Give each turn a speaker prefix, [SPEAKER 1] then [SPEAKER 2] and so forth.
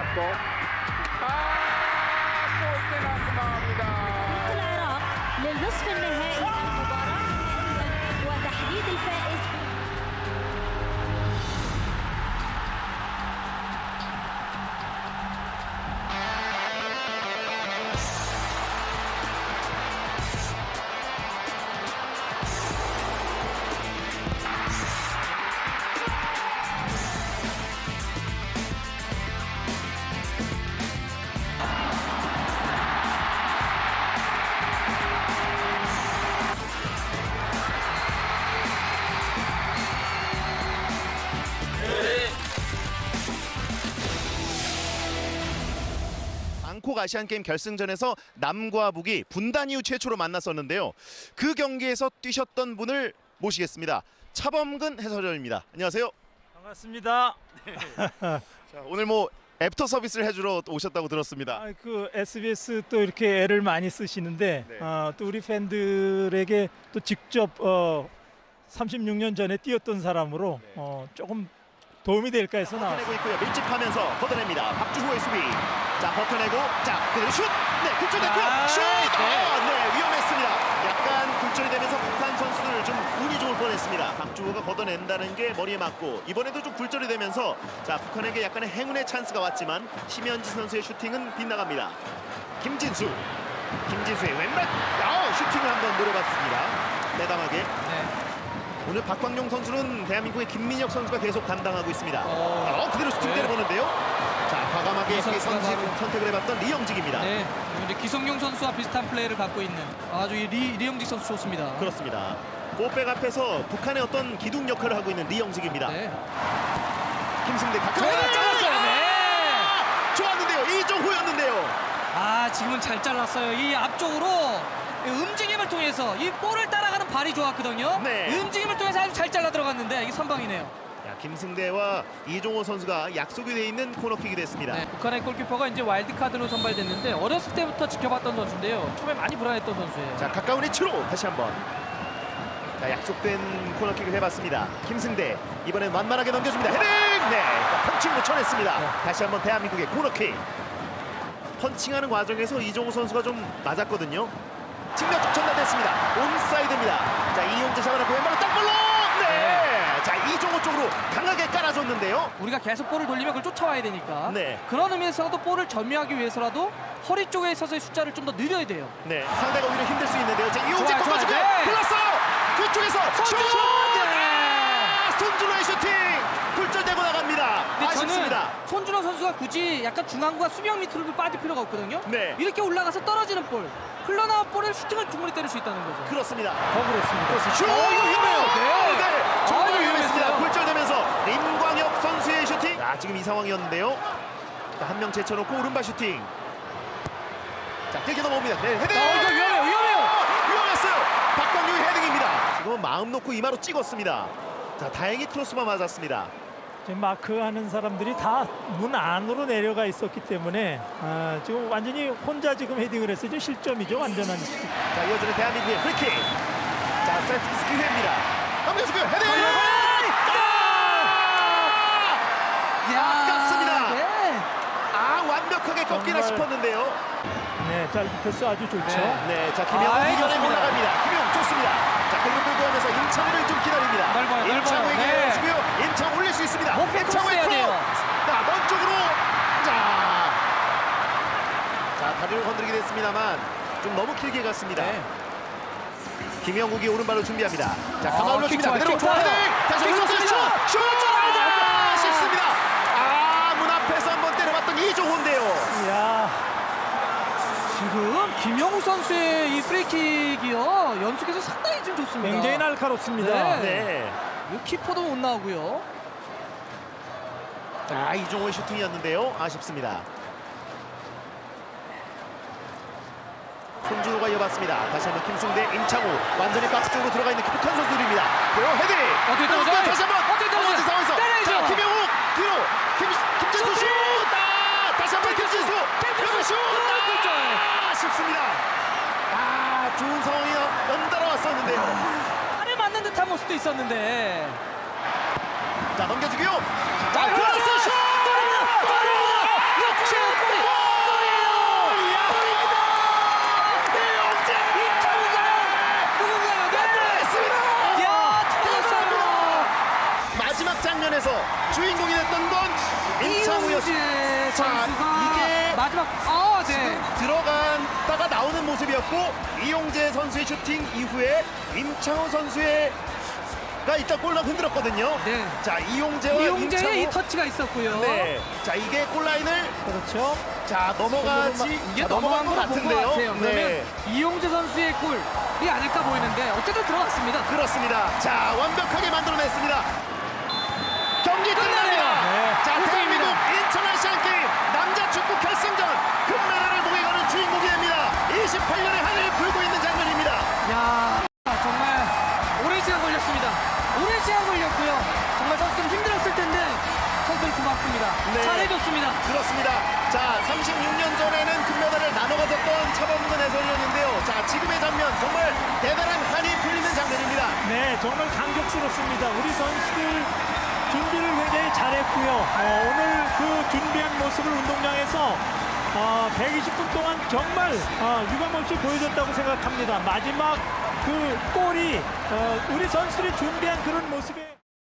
[SPEAKER 1] 또. 골대 나갑니다.
[SPEAKER 2] العراق للنصف النهائي المباراة النهائية وتحديد الفائز.
[SPEAKER 3] 방콕 아시안게임 결승전에서 남과 북이 분단 이후 최초로 만났었는데요. 그 경기에서 뛰셨던 분을 모시겠습니다. 차범근 해설위원입니다. 안녕하세요.
[SPEAKER 4] 반갑습니다.
[SPEAKER 3] 자, 오늘 뭐 애프터 서비스를 해주러 오셨다고 들었습니다.
[SPEAKER 4] 그 SBS 또 이렇게 애를 많이 쓰시는데
[SPEAKER 3] 네.
[SPEAKER 4] 또 우리 팬들에게 또 직접 36년 전에 뛰었던 사람으로
[SPEAKER 3] 네.
[SPEAKER 4] 조금 도움이 될까 해서
[SPEAKER 3] 버텨내고
[SPEAKER 4] 나왔습니다.
[SPEAKER 3] 있고요. 밀집하면서 걷어냅니다. 박주호의 수비. 자, 버텨내고 자, 그대로 슛! 네, 굴절됐고요. 슛! 네, 위험했습니다. 약간 굴절이 되면서 북한 선수들 좀 운이 좋을 뻔했습니다. 박주호가 걷어낸다는 게 머리에 맞고 이번에도 좀 굴절이 되면서 자, 북한에게 약간의 행운의 찬스가 왔지만 심현지 선수의 슈팅은 빗나갑니다. 김진수의 왼발 슈팅을 한번 노려봤습니다. 대담하게. 오늘 박광용 선수는 대한민국의 김민혁 선수가 계속 담당하고 있습니다. 그대로 슈팅 때려보는데요. 자, 과감하게 선택을 해봤던 리영직입니다.
[SPEAKER 5] 네, 이제 기성용 선수와 비슷한 플레이를 갖고 있는 아주 리영직 선수 좋습니다.
[SPEAKER 3] 그렇습니다. 골백 앞에서 북한의 어떤 기둥 역할을 하고 있는 리영직입니다.
[SPEAKER 5] 네.
[SPEAKER 3] 김승대 가까이
[SPEAKER 5] 잘랐어요. 네.
[SPEAKER 3] 좋았는데요. 이종호였는데요.
[SPEAKER 5] 지금은 잘 잘랐어요. 이 앞쪽으로 움직임을 통해서 이 볼을 따라가는 발이 좋았거든요.
[SPEAKER 3] 네.
[SPEAKER 5] 움직임을 통해서 아주 잘 잘라 들어갔는데 이게 선방이네요.
[SPEAKER 3] 자, 김승대와 이종호 선수가 약속이 돼 있는 코너킥이 됐습니다.
[SPEAKER 5] 네, 북한의 골키퍼가 이제 와일드카드로 선발됐는데 어렸을 때부터 지켜봤던 선수인데요. 처음에 많이 불안했던 선수예요.
[SPEAKER 3] 자, 가까운 위치로 다시 한번. 자, 약속된 코너킥을 해봤습니다. 김승대 이번엔 완만하게 넘겨줍니다. 헤딩! 네, 펀칭 놓쳐냈습니다. 다시 한번 대한민국의 코너킥. 펀칭하는 과정에서 이종호 선수가 좀 맞았거든요. 측면 쪽 전달됐습니다. 온사이드입니다. 자, 이용재 잡아놓고 왼발로 땅볼로! 네! 자, 이종호 쪽으로 강하게 깔아줬는데요.
[SPEAKER 5] 우리가 계속 볼을 돌리면 그걸 쫓아와야 되니까
[SPEAKER 3] 네.
[SPEAKER 5] 그런 의미에서도 볼을 점유하기 위해서라도 허리 쪽에 있어서의 숫자를 좀 더 늘려야 돼요.
[SPEAKER 3] 네, 상대가 오히려 힘들 수 있는데요. 자, 이용재
[SPEAKER 5] 좋아요,
[SPEAKER 3] 꺾어주고
[SPEAKER 5] 좋아요. 네.
[SPEAKER 3] 불렀어요. 뒤쪽에서 슛!
[SPEAKER 5] 네.
[SPEAKER 3] 손준호의 슈팅! 굴절되고 나갑니다.
[SPEAKER 5] 근데
[SPEAKER 3] 아쉽습니다.
[SPEAKER 5] 저는 손준호 선수가 굳이 약간 중앙과 수비형 밑으로 빠질 필요가 없거든요.
[SPEAKER 3] 네.
[SPEAKER 5] 이렇게 올라가서 떨어지는 볼, 흘러나온 볼을 슈팅을 충분히 때릴 수 있다는 거죠.
[SPEAKER 3] 그렇습니다.
[SPEAKER 4] 더 그렇습니다.
[SPEAKER 3] 슛! 이거 위험해요.
[SPEAKER 5] 네.
[SPEAKER 3] 정말
[SPEAKER 5] 아유,
[SPEAKER 3] 위험했습니다.
[SPEAKER 5] 위험했어요.
[SPEAKER 3] 굴절되면서 임광혁 선수의 슈팅. 자, 지금 이 상황이었는데요. 한 명 제쳐놓고 오른발 슈팅. 자, 길게 넘어옵니다. 네, 헤딩!
[SPEAKER 5] 이거 위험해요.
[SPEAKER 3] 위험했어요. 박광용의 헤딩입니다. 지금은 마음 놓고 이마로 찍었습니다. 자, 다행히 크로스만 맞았습니다.
[SPEAKER 4] 지금 마크하는 사람들이 다 문 안으로 내려가 있었기 때문에 지금 완전히 혼자 지금 헤딩을 했어요. 지금 실점이죠. 완전한 실점.
[SPEAKER 3] 자, 이어지는 대한민국의 프리킥. 자, 세트피스 기회입니다. 넘겨주고요. 헤딩! 아깝습니다.
[SPEAKER 5] 네.
[SPEAKER 3] 완벽하게 꺾이나
[SPEAKER 4] 정말.
[SPEAKER 3] 싶었는데요.
[SPEAKER 4] 네, 잘 패스 아주 좋죠.
[SPEAKER 3] 네, 자, 김영우 이겨내
[SPEAKER 5] 좋습니다.
[SPEAKER 3] 올라갑니다. 김영우 좋습니다. 자, 그리고 끌고 가면서 임창우를 좀 기다립니다.
[SPEAKER 5] 넓어요.
[SPEAKER 3] 임창우에게
[SPEAKER 5] 네.
[SPEAKER 3] 내주고요. 임창우 올릴 수 있습니다.
[SPEAKER 5] 목표
[SPEAKER 3] 임창우의
[SPEAKER 5] 크로스 해야
[SPEAKER 3] 크로.
[SPEAKER 5] 돼요.
[SPEAKER 3] 자, 먼 쪽으로. 자, 다리를 건드리게 됐습니다만 좀 너무 길게 갔습니다.
[SPEAKER 5] 네.
[SPEAKER 3] 김영욱이 오른발로 준비합니다. 자, 가만 올려줍니다.
[SPEAKER 5] 킥
[SPEAKER 3] 그대로
[SPEAKER 5] 좋아요.
[SPEAKER 3] 헤딩! 다시
[SPEAKER 5] 킥
[SPEAKER 3] 올려서 슛!
[SPEAKER 5] 좋습니다.
[SPEAKER 3] 슛! 아쉽습니다. 문 앞에서 한번 때려봤던 이종호인데요.
[SPEAKER 4] 야,
[SPEAKER 5] 지금 김영우 선수의 이 프리킥이요 연속해서 상당히 좀 좋습니다.
[SPEAKER 4] 굉장히 날카롭습니다.
[SPEAKER 5] 네.
[SPEAKER 3] 네.
[SPEAKER 5] 이 키퍼도 못 나오고요.
[SPEAKER 3] 자, 이종호의 슈팅이었는데요. 아쉽습니다. 손준호가 이어봤습니다. 다시 한번 김승대, 임창우 완전히 박스 쪽으로 들어가 있는 북한 선수들입니다. 헤딩!
[SPEAKER 5] 어떻게 떨어져요?
[SPEAKER 3] 다시 한번
[SPEAKER 5] 어떻게 떨어져요?
[SPEAKER 3] 떨어진 상황에서
[SPEAKER 5] 때려야죠.
[SPEAKER 3] 자, 김영욱 뒤로 김진수 슛! 다시 한번 김진수! 김진수 슛! 아쉽습니다. 좋은 상황이 연달아 왔었는데요.
[SPEAKER 5] 팔에 맞는 듯한 모습도 있었는데.
[SPEAKER 3] 자, 넘겨주고요.
[SPEAKER 5] 자,
[SPEAKER 3] 크로스 슛! 주인공이 됐던 건 임창우였습니다.
[SPEAKER 5] 이용재
[SPEAKER 3] 자,
[SPEAKER 5] 선수가
[SPEAKER 3] 이게
[SPEAKER 5] 마지막 네.
[SPEAKER 3] 들어갔다가 나오는 모습이었고 이용재 선수의 슈팅 이후에 임창우 선수가 이따 골라 흔들었거든요.
[SPEAKER 5] 네.
[SPEAKER 3] 자, 이용재와
[SPEAKER 5] 이용재의 이
[SPEAKER 3] 임창우.
[SPEAKER 5] 터치가 있었고요.
[SPEAKER 3] 네. 자, 이게 골라인을
[SPEAKER 4] 그렇죠.
[SPEAKER 3] 자 넘어가지
[SPEAKER 5] 이게
[SPEAKER 3] 넘어간 것
[SPEAKER 5] 넘어간 것
[SPEAKER 3] 같은데요.
[SPEAKER 5] 같아요. 그러면
[SPEAKER 3] 네.
[SPEAKER 5] 이용재 선수의 골이 아닐까 보이는데 어쨌든 들어갔습니다.
[SPEAKER 3] 그렇습니다. 자, 완벽하게 만들어냈습니다. 경기 끝납니다.
[SPEAKER 4] 네.
[SPEAKER 3] 자,
[SPEAKER 5] 우승입니다.
[SPEAKER 3] 대한민국 인천 아시안게임 남자 축구 결승전 금메달을 목에 거는 주인공이 됩니다. 28년의 한을 불고 있는 장면입니다.
[SPEAKER 5] 야, 정말 오랜 시간 걸렸습니다. 오랜 시간 걸렸고요. 정말 선수들은 힘들었을 텐데 선수들 고맙습니다.
[SPEAKER 3] 네.
[SPEAKER 5] 잘해줬습니다.
[SPEAKER 3] 그렇습니다. 자, 36년 전에는 금메달을 나눠 가졌던 차범근 해설위원인데요. 자, 지금의 장면 정말 대단한 한이 풀리는 장면입니다.
[SPEAKER 4] 네, 정말 감격스럽습니다. 우리 선수들 준비를 굉장히 잘했고요. 오늘 그 준비한 모습을 운동장에서 120분 동안 정말 유감없이 보여줬다고 생각합니다. 마지막 그 골이 우리 선수들이 준비한 그런 모습에